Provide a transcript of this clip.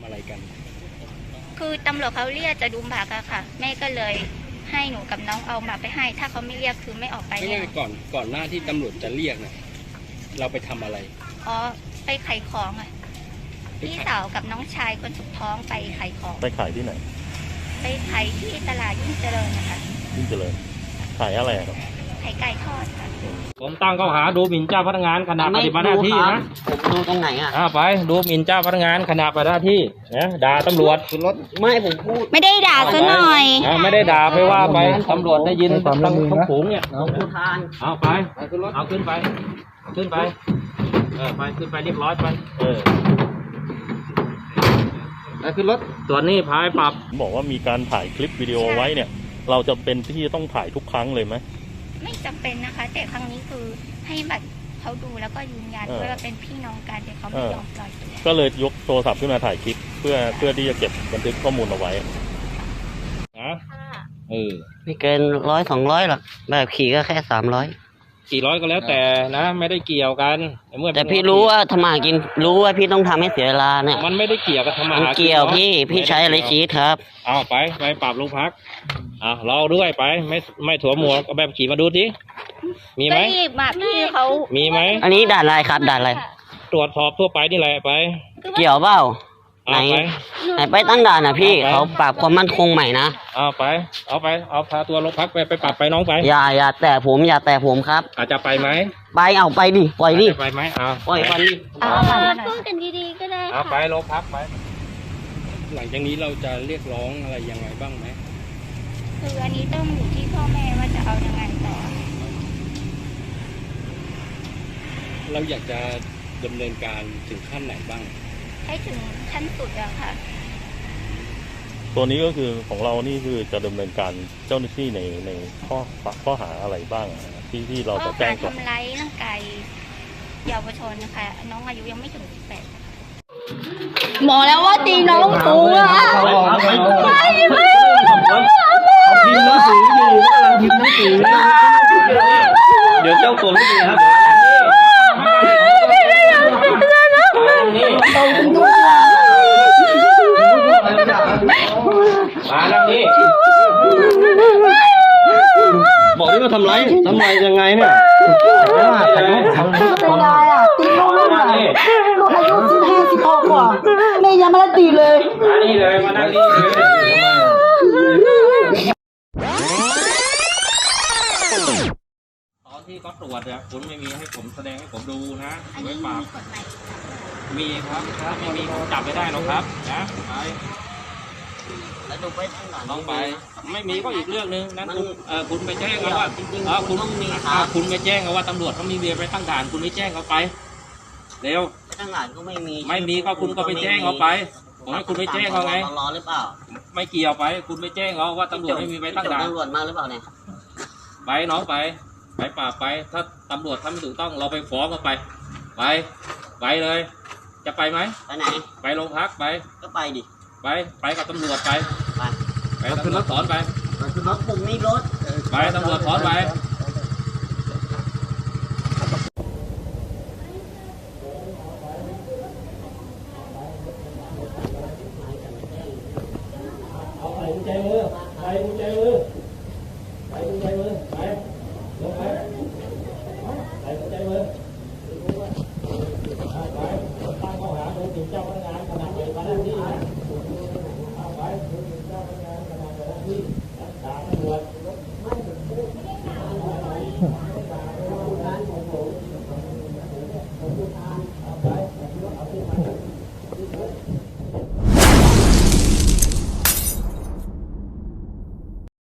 อะไรกันคือตำรวจเขาเรียกจะดูหมากอะค่ะ แม่ก็เลยให้หนูกับน้องเอาหมากไปให้ ถ้าเขาไม่เรียกคือไม่ออกไปไม่แน่ใช่ก่อนหน้าที่ตำรวจจะเรียกเนี่ยเราไปทำอะไรอ๋อไปขายของอะพี่สาวกับน้องชายคนสุดท้องไปขายของไปขายที่ไหนไปขายที่ตลาดยิ่งเจริญนะคะยิ่งเจริญขายอะไรครับขายไก่ทอดค่ะผมตั้งข้อหาดูหมิ่นเจ้าพนักงานขณะปฏิบัติหน้าที่นะผมดูตรงไหนอ่ะไปดูหมิ่นเจ้าพนักงานขณะปฏิบัติหน้าที่นะด่าตำรวจไม่ผมพูดไม่ได้ด่าซะหน่อยไม่ได้ด่าไปว่าไปตำรวจได้ยินทั้งฝูงเนี่ยผู้ทานเอาไปเอาขึ้นไปขึ้นไปไปขึ้นไปเรียบร้อยไปขึ้นรถส่วนนี้พายปรับบอกว่ามีการถ่ายคลิปวิดีโอไว้เนี่ย เราจะเป็นที่ต้องถ่ายทุกครั้งเลยไหมไม่จำเป็นนะคะ แต่ครั้งนี้คือให้บัตรเขาดูแล้วก็ยืนยันว่าเป็นพี่น้องกันแต่เขาไม่ยอมปล่อยตัวก็เลยยกโทรศัพท์ขึ้นมาถ่ายคลิปเพื่อที่จะเก็บบันทึกข้อมูลเอาไว้นะไม่เกิน100-200หรอกแบบขี่ก็แค่300 กี่ร้อยก็แล้วแต่นะไม่ได้เกี่ยวกันแต่พี่รู้ว่าทำมากินรู้ว่าพี่ต้องทำให้เสียเวลาเนี่ยมันไม่ได้เกี่ยวกับธรรมะมันเกี่ยวพี่ใช้อะไรคิดครับเอาไปปรับโรงพักเราด้วยไปไม่ถั่วหมวกเอาแบบขี่มาดูสิมีไหมก็หยิบมาพี่เขามีไหมอันนี้ด่านอะไรครับด่านอะไรตรวจสอบทั่วไปนี่แหละไปเกี่ยวเปล่าไหนเอาไปไปตั้งด่านนะพี่เอาไปเขาปรับความมั่นคงใหม่นะเอาพาตัวโรงพักไปปรับไปน้องไปอย่าแต่ผมครับอาจจะไปไหมไปเอาไปดิปล่อยดิไปไหมปล่อยไปดิพูดกันดีๆก็ได้เอาไปค่ะโรงพักไปหลังจากนี้เราจะเรียกร้องอะไรยังไงบ้างไหมคืออันนี้ต้องอยู่ที่พ่อแม่ว่าจะเอายังไงต่อเราอยากจะดำเนินการถึงขั้นไหนบ้างให้ถึงขั้นสุดอะค่ะตัวนี้ก็คือของเรานี่คือจะดำเนินการเจ้าหน้าที่ในข้อหาอะไรบ้างที่เราจะแจ้งก็ก่อนทำร้ายร่างกายเยาวชนนะคะน้องอายุยังไม่ถึง18บอกแล้วว่าตีน้องกูอะพิมพ์หนังสืออยู่กำลังพิมพ์หนังสือเดี๋ยวเจ้าตัวไม่ดีครับมาแล้วนี่บอกที่ว่าทำไรยังไงเนี่ยเป็นไงอ่ะตีน้องลูกอ่ะลูกอายุ15-16กว่าแม่ยังไม่ได้ตีเลยมานี่เลยมานั่งนี่เลยตอนที่เขาตรวจเนี่ยคุณไม่มีให้ผมแสดงให้ผมดูนะอันไว้นี้ปรามีบกฎหมายมีครับถ้าไม่มีจับไม่ได้หรอกครับนะไปแล้วดูไปตั้งด่านต้องไป ไม่มีก็อีกเรื่องนึงนั้นคุณไปแจ้งเอาว่าจริงๆคุณต้องมีครับคุณไปแจ้งเอาว่าตำรวจเขามีเบียร์ไปตั้งด่านคุณไม่แจ้งเขาไปเร็วไปตั้งด่านก็ไม่มีไม่มีก็คุณก็ไปแจ้งเขาไปผมให้คุณไปแจ้งเขาไงรอหรือเปล่าไม่เกี่ยวไป คุณไปแจ้งเขาว่าตำรวจไม่มีไปตั้งด่านตำรวจมาหรือเปล่าเนี่ยไปน้องไปปราบไป ถ้าตำรวจทำไม่ถูกต้องเราไปฟ้องเขาไปเลย จะไปไหมไปไหนไปโรงพักไปก็ไปดิไปกับตำรวจไปไปตำรวจสอนไปรถผมมีรถไปตำรวจสอนไปใส่กุญแจมือ